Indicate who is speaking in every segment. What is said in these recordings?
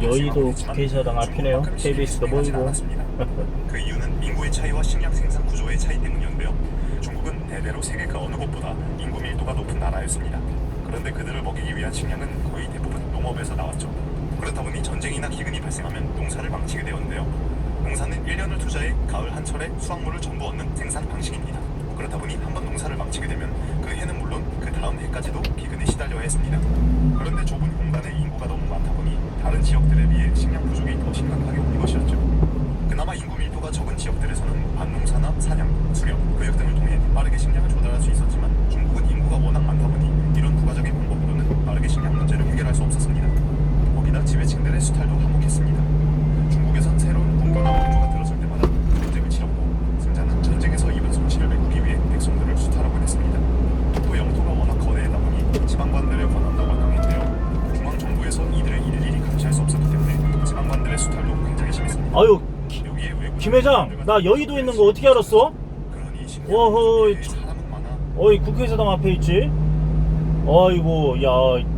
Speaker 1: 여의도 국회의사당 앞이네요. KBS도 보이고.
Speaker 2: 그 이유는 인구의 차이와 식량 생산 구조의 차이 때문이었는데요. 중국은 대대로 세계 그 어느 곳보다 인구 밀도가 높은 나라였습니다. 그런데 그들을 먹이기 위한 식량은 거의 대부분 농업에서 나왔죠. 그렇다 보니 전쟁이나 기근이 발생하면 농사를 망치게 되었는데요. 농사는 1년을 투자해 가을 한철에 수확물을 전부 얻는 생산 방식입니다. 그렇다 보니 한번 농사를 망치게 되면 그 해는 물론 그 다음 해까지도 기근에 시달려야 했습니다. 그런데 좁은 공간에 인구가 너무 많다 보니 다른 지역들에 비해 식량 부족이 더 심각하게 온 것이었죠. 그나마 인구 밀도가 적은 지역들에서는 밭농사나 사냥, 수렵, 교육 등을 통해 빠르게 식량을 조달할 수 있었지만 중국은 인구가 워낙 많다 보니 이런 부가적인 방법으로는 빠르게 식량 문제를 해결할 수 없었습니다. 거기다 지배층들의 수탈도 한몫했습니다. 중국에선 새로운 군부나 왕조가 들어설 때마다 전쟁을 치렀고 승자는 전쟁에서 입은 손실을 메꾸기 위해 백성들을 수탈하곤 했습니다. 또 영토가 워낙 거대하다 보니 지방관들의 권한도 강했는데요. 중앙정부에서 이들을 일일이 감시할 수 없었기 때문에 지방관들의 수탈도 굉장히 심했습니다.
Speaker 1: 아유, 김 회장, 나 여의도에 있는 거 어떻게 알았어? 어허,
Speaker 2: 사람은 많아.
Speaker 1: 어이 국회의사당 앞에 있지? 아이고, 야,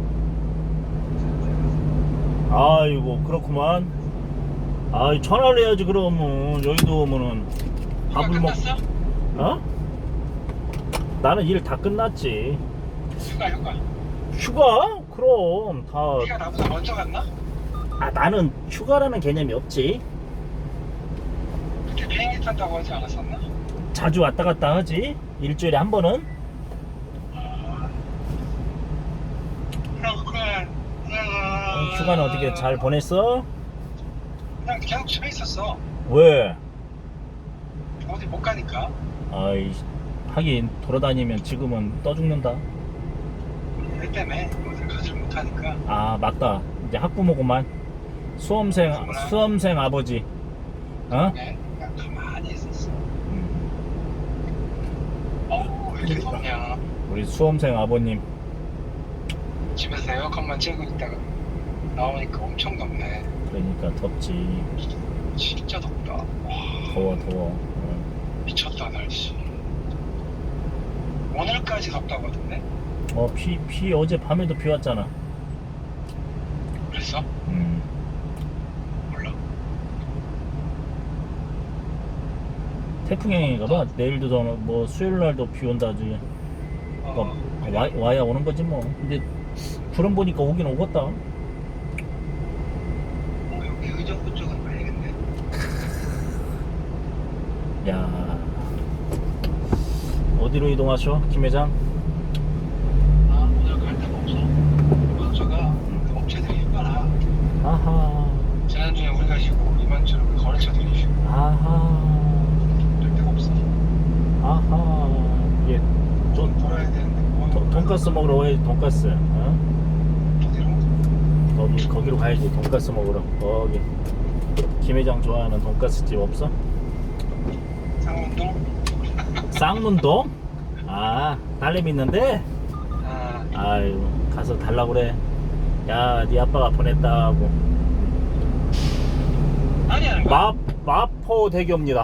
Speaker 1: 아이고 그렇구만. 아이 전화를 해야지 그러면. 여의도 오면은 밥을 먹. 어? 나는 일 다 끝났지.
Speaker 3: 휴가.
Speaker 1: 휴가? 그럼 다.
Speaker 3: 네가 나보다 먼저 갔나?
Speaker 1: 아 나는 휴가라는 개념이 없지.
Speaker 3: 그때 비행기 탄다고 하지 않았었나?
Speaker 1: 자주 왔다 갔다 하지. 일주일에 한 번은.
Speaker 3: 그래.
Speaker 1: 휴가는 어떻게 잘 보냈어?
Speaker 3: 그냥 계속 집에 있었어.
Speaker 1: 왜?
Speaker 3: 어디 못 가니까.
Speaker 1: 아이 하긴 돌아다니면 지금은 떠 죽는다.
Speaker 3: 애 때문에 어디 가지를 못하니까.
Speaker 1: 아 맞다. 이제 학부모구만. 수험생 아버지. 어?
Speaker 3: 네, 그냥 가만히 있었어. 왜 이렇게 덥냐.
Speaker 1: 우리 수험생 아버님.
Speaker 3: 집에서 에어컨만 쬐고 있다가 나오니까 엄청 덥네.
Speaker 1: 그러니까 덥지.
Speaker 3: 진짜 덥다. 와,
Speaker 1: 더워.
Speaker 3: 미쳤다 날씨. 오늘까지 덥다고 하던데?
Speaker 1: 비 어제 밤에도 비 왔잖아.
Speaker 3: 그랬어? 몰라.
Speaker 1: 태풍행인가봐. 내일도 뭐 수요일날도 비 온다지. 와야 오는 거지 뭐. 근데 구름 보니까 오긴 오겠다.
Speaker 3: 여기 의정부 쪽은 가야겠네.
Speaker 1: 야 어디로 이동하셔 김 회장?
Speaker 3: 오늘 갈 데가 없어. 이번 주가 그 업체들이 휴가라.
Speaker 1: 아하.
Speaker 3: 지난주에 우리가 쉬고 이번 주는 그 거래처들이 쉬고.
Speaker 1: 아하.
Speaker 3: 될 데가 없어.
Speaker 1: 아하. 예.
Speaker 3: 돈 벌어야 되는데 뭐.
Speaker 1: 돈가스 먹으러 와야지. 돈가스. 어?
Speaker 3: 어디로?
Speaker 1: 거기로 가야지. 돈가스 먹으러. 거기 김 회장 좋아하는 돈가스 집 없어?
Speaker 3: 상문동?
Speaker 1: 쌍문동? 아 딸내미 있는데?
Speaker 3: 아,
Speaker 1: 아유 가서 달라고 그래. 야 네 아빠가 보냈다고.
Speaker 3: 아니 하는 거야?
Speaker 1: 마포대교입니다.